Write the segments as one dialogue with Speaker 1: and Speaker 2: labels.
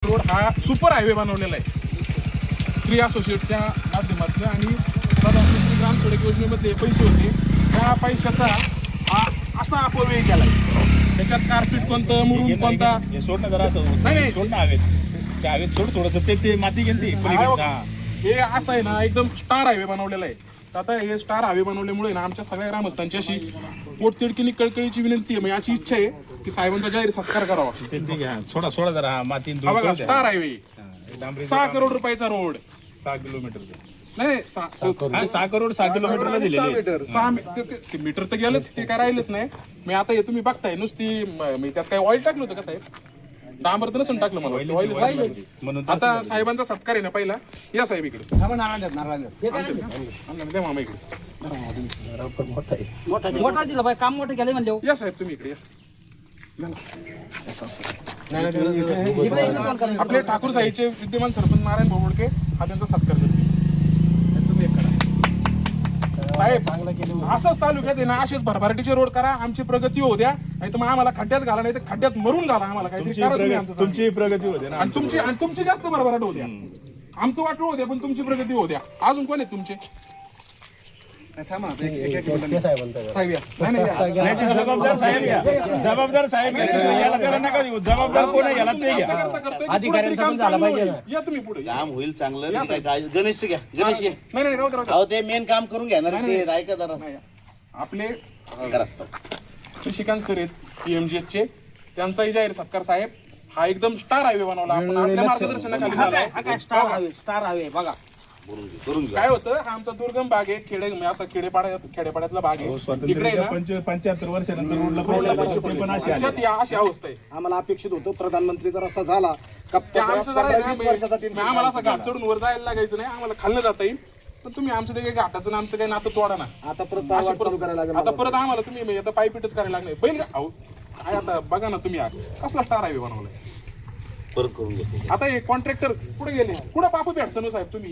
Speaker 1: Road हा super highway बनवलेला आहे श्री असोसिएटच्या माध्यमातून आणि प्रधानमंत्री ग्राम सडक योजनेमध्ये पैसे होते त्या पैशाचा हा असा अपव्यय केला आहे. त्याच्यात कार्पेट कोणतं मुरुम कोणता
Speaker 2: हे सोडणं जरा असं
Speaker 1: नाही
Speaker 2: सोड ना हवेत त्या हवेत सोड थोडंसं ते माती गेली
Speaker 1: हे असं आहे ना एकदम स्टार हायवे बनवलेला आहे. तर आता हे स्टार हायवे बनवल्यामुळे ना आमच्या सगळ्या ग्रामस्थांची अशी पोटतिडकीनी कळकळीची विनंती आहे. म्हणजे अशी इच्छा आहे की साहेबांचा जाहीर सत्कार करावा.
Speaker 2: ते घ्या सोडा सोडा जरा हा माती
Speaker 1: हा बघा स्टार हायवे
Speaker 2: डांबरी
Speaker 1: 6 करोड रुपयाचा रोड
Speaker 2: 6 किलोमीटर
Speaker 1: नाही
Speaker 2: 6 करोड 6 किलोमीटरला दिलेले
Speaker 1: मीटर तर गेलंच ते काय राहिलंच नाही. मी आता हे तुम्ही बघताय नुसती मी त्यात काय ऑइल टाकलं होतं का साहेब डांबर तर नसून टाकलं मला ऑइल
Speaker 2: म्हणून
Speaker 1: आता साहेबांचा सत्कार आहे ना पहिला या साहेब इकडे द्या मामा इकडे
Speaker 3: मोठा दिला बाई काम मोठं केलं म्हणले
Speaker 1: या साहेब तुम्ही इकडे या आपले ठाकूर साहेबचे विद्यमान सरपंच नारायण बोबडके हा त्यांचा सत्कार करते. साहेब असंच तालुक्यात आहे ना असेच भरभराटीचे रोड करा आमची प्रगती होऊ द्या नाही तर मग आम्हाला खड्ड्यात घाला नाही तर खड्ड्यात मरून घाला आम्हाला काहीतरी करा तुम्ही आमचं
Speaker 2: तुमची प्रगती होते ना
Speaker 1: आणि तुमची जास्त भरभराट होऊ द्या आमचं वाटलं होऊ द्या पण तुमची प्रगती होऊ द्या. अजून कोण आहेत तुमचे साहेब या नाही
Speaker 2: नाही, जबाबदार साहेब घ्या जबाबदार साहेब घ्या याला त्याला नका देऊ जबाबदार कोण आहे याला ते घ्या
Speaker 3: अधिकाऱ्यांचं पण झालं पाहिजे ना.
Speaker 1: या तुम्ही पुढे
Speaker 4: काम होईल चांगलं गणेश घ्या गणेश ये.
Speaker 1: नाही नाही राहू द्या
Speaker 4: अहो ते मेन काम करून घेणार ते ऐका जरा
Speaker 1: आपले
Speaker 4: करा.
Speaker 1: शशिकांत सर आहेत PMGH चे त्यांचाही जाहीर सत्कार साहेब हा एकदम स्टार हायवे बनवला आपण आपल्या मार्गदर्शनाखाली झाला.
Speaker 3: स्टार हवे बघा
Speaker 4: करून घ्या.
Speaker 1: काय होतं हा आमचा दुर्गम भाग आहे असा खेडेपाड्यातला भाग आहे इकडे ना
Speaker 2: 75 वर्षानंतर रोडला पैसे आले, ते पण असे आले.
Speaker 1: त्याच्यात या अशी अवस्था आहे.
Speaker 5: आम्हाला अपेक्षित होतं प्रधानमंत्रीचा रस्ता झाला का
Speaker 1: ते आमचं जरा
Speaker 5: 20 वर्षाचा तीन
Speaker 1: आम्हाला असं घाट चढून वर जायला लागायचं नाही आम्हाला खाल्लं जाता येईल पण तुम्ही आमचं ते काही घाटाचं आमचं काही नातं तोडा ना.
Speaker 5: आता परत वाट चालू करायला लागेल.
Speaker 1: आता परत आम्हाला तुम्ही याचा पायपीटच करायला लागणार बैल अहो काय आता बघा ना तुम्ही कसला स्टार हायवे बनवलाय
Speaker 4: परत करून घ्या.
Speaker 1: आता हे कॉन्ट्रॅक्टर कुठे गेले कुठे बापू भेटसन साहेब तुम्ही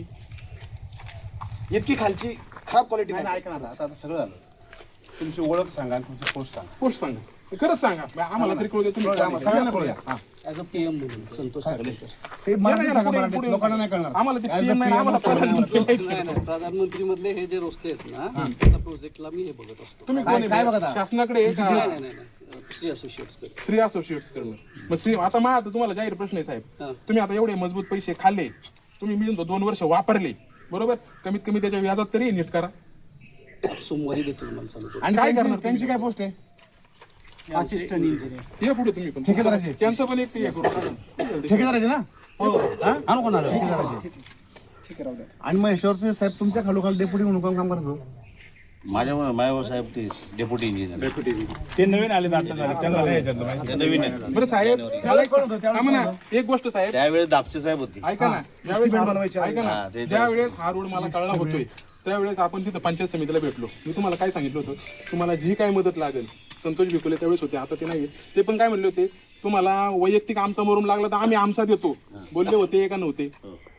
Speaker 5: इतकी खालची खराब क्वालिटी
Speaker 6: नाही ऐका ना आता सगळं झालं तुमची ओळख सांगा आणि तुमची पोस्ट सांगा
Speaker 1: पोस्ट सांगा खरंच सांगा आम्हाला तरी कळू द्या तुम्ही
Speaker 6: सगळ्यांना कळूया
Speaker 3: ॲज अ PM म्हणून संतोष
Speaker 6: ते मराठी सांगा मराठीत लोकांना नाही कळणार
Speaker 1: आम्हाला ते PM नाही आम्हाला प्रधानमंत्री माहिती आहे.
Speaker 3: नाही प्रधानमंत्री मधले हे जे रस्ते आहेत ना त्याचा प्रोजेक्टला मी हे बघत असतो.
Speaker 1: तुम्ही
Speaker 6: काय-
Speaker 1: कोण
Speaker 6: काय
Speaker 1: आहे?
Speaker 6: बघता?
Speaker 1: शासनाकडे आहे का
Speaker 3: नाही श्री असोसिएट्स
Speaker 1: श्री असोसिएट्स करणं मग श्री आता मग आता तुम्हाला जाहीर प्रश्न आहे साहेब
Speaker 3: हा.
Speaker 1: तुम्ही आता एवढे मजबूत पैसे खाल्ले तुम्ही मिळून 2 वर्ष वापरले बरोबर कमीत कमी त्याच्या व्याजात तरी नीट करा.
Speaker 3: सोमवारी देतो मला सांगतो.
Speaker 1: आणि काय करणार
Speaker 6: त्यांची काय पोस्ट आहे
Speaker 3: असिस्टंट इंजिनियर
Speaker 1: या पुढे तुम्ही पण
Speaker 6: ठेकेदाराचे?
Speaker 1: त्यांचं पण एक हे करू.
Speaker 6: ठेकेदाराचे ना
Speaker 3: आणू कोणाला
Speaker 6: आणि मग याच्यावरती साहेब तुमच्या खालोखाल डेप्युटी म्हणून काम करतो
Speaker 4: माझ्यावर साहेब ते डेप्युटी इंजिनियर
Speaker 2: ते नवीन आले आता झाले त्यांना नाही याच्यातलं माहिती.
Speaker 4: ते नवीन आहे.
Speaker 1: बरं साहेब थांबा ना, एक गोष्ट साहेब
Speaker 4: त्यावेळेस दापचे साहेब होते.
Speaker 1: ऐका ना ज्यावेळेस ऐका
Speaker 4: हा,
Speaker 1: ना
Speaker 4: ते
Speaker 1: ज्यावेळेस हा रोड मला कळला होतोय त्यावेळेस आपण तिथं पंचायत समितीला भेटलो मी तुम्हाला काय सांगितलं होतं तुम्हाला जी काय मदत लागेल संतोष भिकुले त्यावेळेस होते आता ते नाही ते पण काय म्हणले होते तुम्हाला वैयक्तिक आमचा मरून लागला तर आम्ही आमचा देतो बोलले होते का नव्हते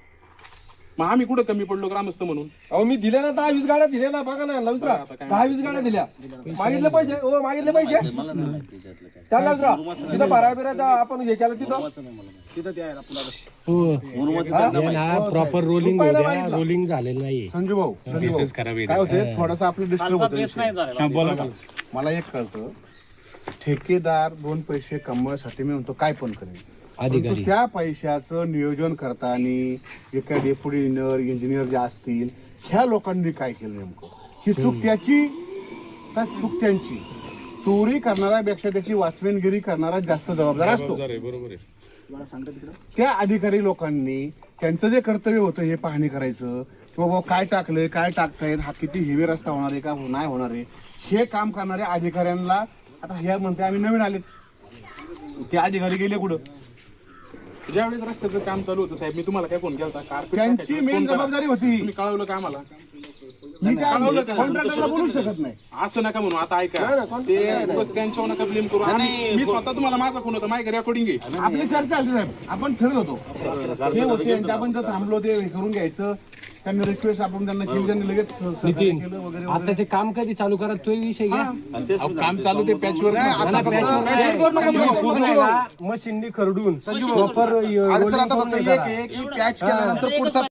Speaker 1: मग आम्ही कुठं कमी पडलो ग्रामस्थ म्हणून
Speaker 5: अहो मी दिल्या ना 10-20 गाड्या दिल्या ना बघा ना लवकर
Speaker 1: आता काय
Speaker 5: 10-20 गाड्या दिल्या मागितले पैसे हो मागितले पैसे
Speaker 4: मला नाही माहिती त्यातलं काय.
Speaker 5: त्या लवकर तिथं भराय बिरायचं आपण हे केलं तिथं तिथं ते आहे ना
Speaker 4: मुरुमाचं त्यांना माहिती.
Speaker 7: प्रॉपर रोलिंग रोलिंग झालेलं नाही.
Speaker 6: संजू भाऊ काय होते थोडासा आपलं डिस्टर्ब होतं मला एक कळतं ठेकेदार 2 पैसे कमवण्यासाठी मी म्हणतो काय पण करेल परंतु त्या पैशाचं नियोजन करताना एका डेप्युटी इंजिनियर जे असतील ह्या लोकांनी काय केलं नेमकं ही चूक त्याची का चूक त्यांची चोरी करणाऱ्यापेक्षा त्याची वाचवेनगिरी करणारा जास्त जबाबदार असतो
Speaker 2: बरोबर आहे
Speaker 6: त्या अधिकारी लोकांनी त्यांचं जे कर्तव्य होतं हे पाहणी करायचं की बाबा काय टाकलंय काय टाकतायत हा किती हेवी रस्ता होणार आहे का नाही होणार आहे हे काम करणाऱ्या अधिकाऱ्यांना आता ह्या म्हणते आम्ही नवीन आलेत ते अधिकारी गेले कुठं
Speaker 1: ज्यावेळेस रस्त्याचं काम चालू होतं साहेब मी तुम्हाला काय फोन केला होता कार्पेट
Speaker 6: त्यांची मेन जबाबदारी होती
Speaker 1: तुम्ही कळवलं का आम्हाला
Speaker 6: मी काय कॉन्ट्रॅक्टरला बोलू शकत नाही
Speaker 1: असं नका म्हणू आता ऐका ते उगाच त्यांच्यावर नका ब्लेम करू आणि मी स्वतः तुम्हाला माझा फोन होता माझ्या रेकॉर्डिंग आहे
Speaker 6: आपली चर्चा चालते साहेब आपण ठरत होतो हे होते आणि आपण जर थांबलो ते हे करून घ्यायचं त्यांनी रिक्वेस्ट आपण त्यांना केली, त्यांनी लगेच सहकार्य
Speaker 7: नितीन
Speaker 6: केलं वगैरे
Speaker 7: आता ते काम कधी चालू करा तो विषय घ्या
Speaker 1: काम चालू ते पॅचवर
Speaker 7: मशीननी खरडून
Speaker 5: अडचण आता फक्त एक आहे की पॅच केल्यानंतर पुढचा